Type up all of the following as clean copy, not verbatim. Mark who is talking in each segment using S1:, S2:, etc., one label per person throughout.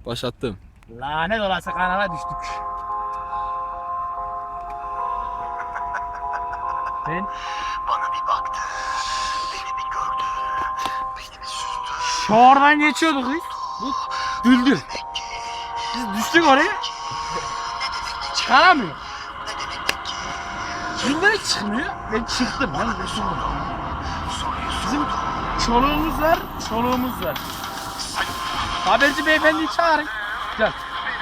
S1: Başlattım.
S2: Lanet olası kanala düştük. Ben
S3: Bana bir baktı, beni bir gördü, beni bir süzdü.
S2: şu oradan geçiyorduk biz. Bu düldül. Biz düştük oraya. Çıkaramıyor. Düldül çıkmıyor. Ben çıktım. Ben kurtuldum. Bizim çoluğumuz var. Haberci beyefendiyi çağırın. Gel.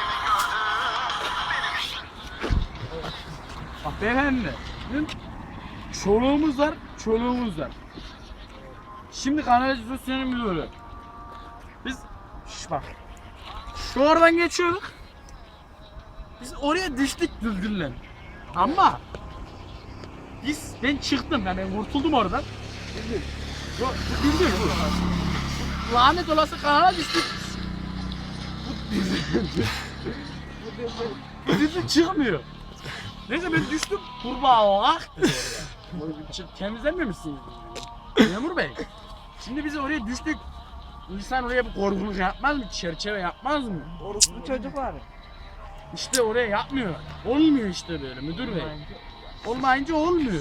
S2: Bak beyefendi. Bizim çoluğumuz var. Şimdi kanalizasyonun müdürü. Biz bak. Şu oradan geçiyorduk. Biz oraya düştük düldülle. Ama ben çıktım yani ben kurtuldum oradan. Düldül bu. Lanet olası kanala düştük. Bu düldül çıkmıyor. Neyse ben düştüm. Kurbağa olarak. Temizlememişsiniz. Memur Bey. Şimdi biz oraya düştük. İnsan oraya bir korkuluk yapmaz mı? Çerçeve yapmaz mı?
S4: Bu çocuk var.
S2: İşte oraya yapmıyor. Olmuyor işte böyle müdür bey. Olmayınca olmuyor.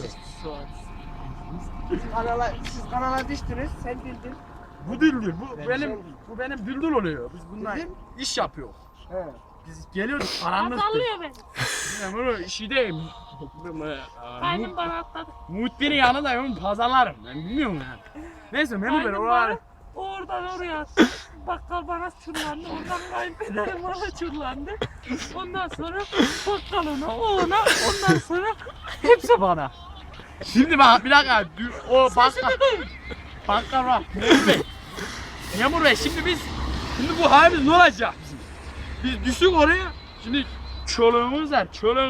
S4: Siz kanala düştünüz, sen bildin.
S2: Bu düldül,
S4: Ben
S2: bu benim düldül oluyor. Biz bununla
S4: Düldül?
S2: iş yapıyor.
S4: He.
S2: Biz geliyoruz karanlıktı.
S5: Sallıyor beni.
S2: Memur işideyim.
S5: Kaynım bana atladı.
S2: Muhbir'in yanındayım, pazarlarım. Ben bilmiyorum yani. Neyse memur bey
S5: Kaynım
S2: oraları.
S5: oradan oraya attı. Bakkal bana çullandı. Oradan kayınpederim bana çullandı. Ondan sonra bakkal ona. Ondan sonra
S2: Hepsi bana. Şimdi bak bir dakika. O bakkal.
S5: sesini duy.
S2: Bakkal var. Memur bey. Memur bey şimdi bu halimiz ne olacak bizim? Biz düştük oraya. Şimdi çoluğumuz var.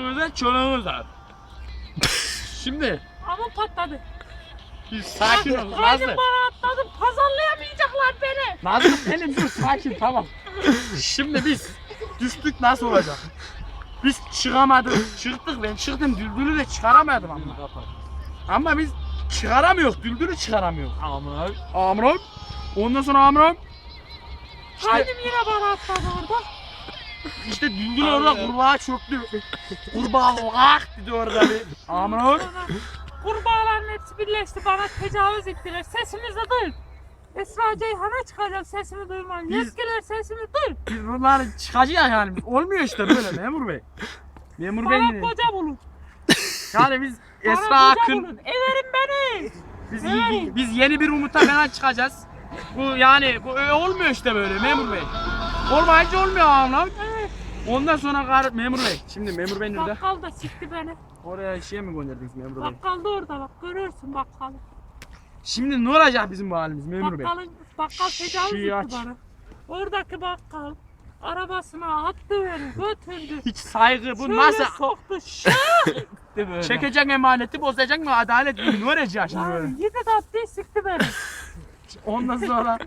S2: Şimdi
S5: Ama patladı.
S2: biz sakin ol Nazlı.
S5: Kaynım bana atladı. Pazarlayamayacaklar beni.
S2: Nazlı benim dur sakin tamam. Şimdi biz düştük nasıl olacak? Biz çıkamadık. Çıktık ben çıktım düldülü de çıkaramadım ama. Ama biz çıkaramıyoruz. Düldülü çıkaramıyoruz. Amram. Ondan sonra Amram.
S5: Kaynım yine bana atladı orada.
S2: İşte düldül orada kurbağa çöktü. Kurbağa vak dedi orada bir. Amram.
S5: Sonra kurbağaların hepsi birleşti. Bana tecavüz ettiler. Sesimizi duy. Esra Ceyhan'a çıkacak sesimi duyman.
S2: Biz-
S5: Yetkililer sesimi duy.
S2: Biz bunların çıkacağız yani. Olmuyor işte böyle memur bey. Memur bey.
S5: Bana koca bulun.
S2: Yani biz Esra
S5: Bana koca
S2: Akın.
S5: bulun. Everin beni.
S2: Biz yeni bir umuta falan çıkacağız. Bu yani bu olmuyor işte böyle memur bey. Olmayınca olmuyor anlam.
S5: Evet.
S2: Ondan sonra memur bey. Şimdi memur bey nerede?
S5: Bakkal da sikti beni.
S2: Oraya şey mi gönderdiniz memur bey?
S5: Bakkal da orada bak. Görürsün bakkalı.
S2: Şimdi ne olacak bizim bu halimiz memur bey?
S5: Bakkal tecavüz
S2: Şii aç.
S5: etti bana. Oradaki bakkal arabasına attı beni. Götürdü.
S2: Hiç saygı bu
S5: Şöyle
S2: nasıl?
S5: soktu. Şah etti böyle.
S2: Çekecek emaneti bozacak mı adalet mi? Ne olacak şimdi böyle?
S5: Yani yedi tatlı sikti beni.
S2: Ondan sonra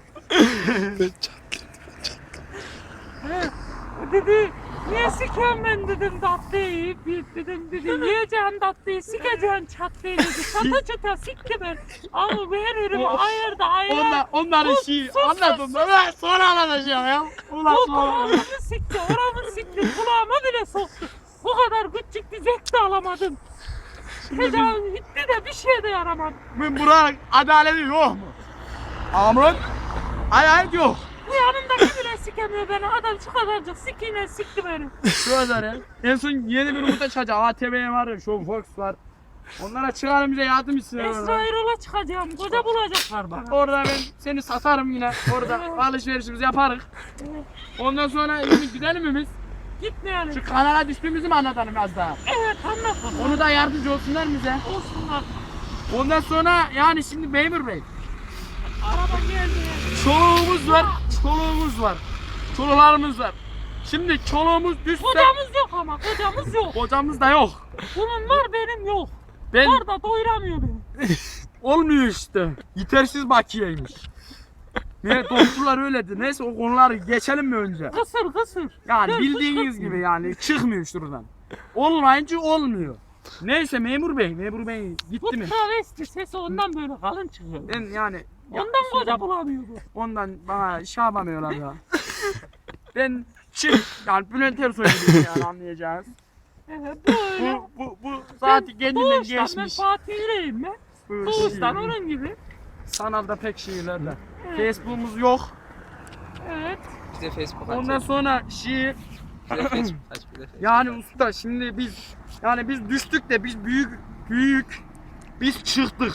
S5: Dedi niye sikiyorum ben dedim tatlıyı dedim yiyeceğim tatlıyı sikeceğim çatlıyı dedi çata çata sikti ben ama veririm ayırdı
S2: onların şeyi anladım da sonra anlatacağım ya. Ulan sonra.
S5: kulağımı sikti oramı sikti kulağıma bile soktu bu kadar küçük bir zevk de alamadım tecavüz gitti de bir şey de yaramadı
S2: Ben buranın adaleti yok mu? Amrun adalet yok.
S5: bu yanımdaki bile sikemiyor beni adam şu kadarcık sikiyle sikti beni
S2: Şu kadar ya. En son yeni bir umuta çıkacak. ATV var, Show Fox var. Onlara çıkarım bize yardım etsin.
S5: Esra Erol'a çıkacağım koca bulacaklar bana
S2: Orada ben seni satarım yine. Orada alışverişimizi yaparız. Ondan sonra yine gidelim mi biz?
S5: gitmeyelim
S2: Şu kanala düştüğümüzü mü anlatalım biraz daha?
S5: evet anlatalım
S2: Onu da yardımcı olsunlar bize.
S5: olsunlar
S2: Ondan sonra yani şimdi memur bey.
S5: araba geldi
S2: Çoluğumuz var. Çoluklarımız var. Şimdi çoluğumuz düşse
S5: kocamız yok ama kocamız yok
S2: kocamız da yok.
S5: bunun var benim yok
S2: Ben
S5: var da doyuramıyor beni
S2: olmuyor işte. Yetersiz bakiyeymiş. Ne doktorlar öyledir. Neyse o konuları geçelim mi önce?
S5: kısır
S2: Yani
S5: Dur,
S2: bildiğiniz
S5: kışkırtmıyor.
S2: gibi yani çıkmıyor şuradan. Olmayınca olmuyor. Neyse memur bey
S5: bu
S2: gitti mi?
S5: travesti sesi ondan böyle kalın çıkıyor
S2: Ben yani
S5: ondan koca bulamıyor bu
S2: ondan bana şey yapamıyorlar ya. Ben yani Bülent Ersoy gibiyim yani anlayacağınız.
S5: Böyle.
S2: Bu zaten kendinden
S5: Doğuştan ben
S2: geçmiş.
S5: Fatih Yüreğim ben.
S2: Böyle
S5: Doğuştan
S2: şiir.
S5: onun gibi.
S2: Sanalda pek şiirlerle.
S5: Evet.
S2: Facebook'umuz yok.
S5: Evet.
S1: Bize Facebook
S2: Ondan
S1: aç.
S2: sonra şiir.
S1: Bize Facebook aç. Bize Facebook
S2: Yani
S1: aç.
S2: usta şimdi biz düştük de biz biz çıktık.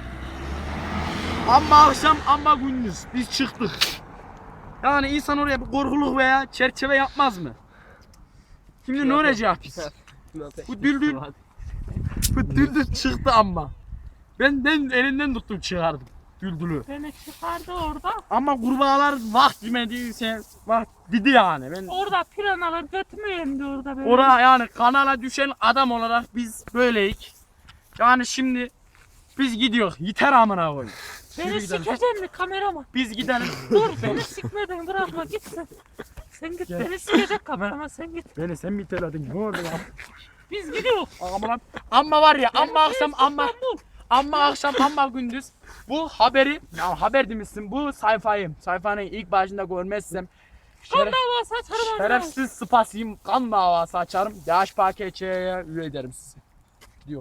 S2: Ama akşam ama gündüz biz çıktık. Yani insan oraya bir korkuluk veya çerçeve yapmaz mı? Şimdi ne olacak biz? Bu düldül çıktı ama. Ben elinden tuttum çıkardım düldülü.
S5: Beni çıkardı orada.
S2: Ama kurbağalar vah demediyse vah dedi yani. Ben
S5: Orada piranalar götümü yemdi orada böyle.
S2: oraya yani kanala düşen adam olarak biz böyleyik. Yani şimdi biz gidiyoruz. Yeter amına koyayım.
S5: Beni
S2: Yürü gidelim.
S5: sikeceksin mi kameraman?
S2: Biz gidelim.
S5: Dur beni sikmeden bırakma gitsin. Sen git
S2: Gel.
S5: beni sikecek kameraman sen git.
S2: Beni sen mi iteledin? Ne oldu ya?
S5: Biz gidiyoruz.
S2: Amma var ya amma akşam
S5: İstanbul.
S2: amma akşam amma gündüz bu haberi ya haber demişsin bu sayfanın ilk başında görmezsem
S5: Kan davası açarım.
S2: şerefsiz spasiyim kan davası açarım. DHPKÇ'ye üye ederim sizi.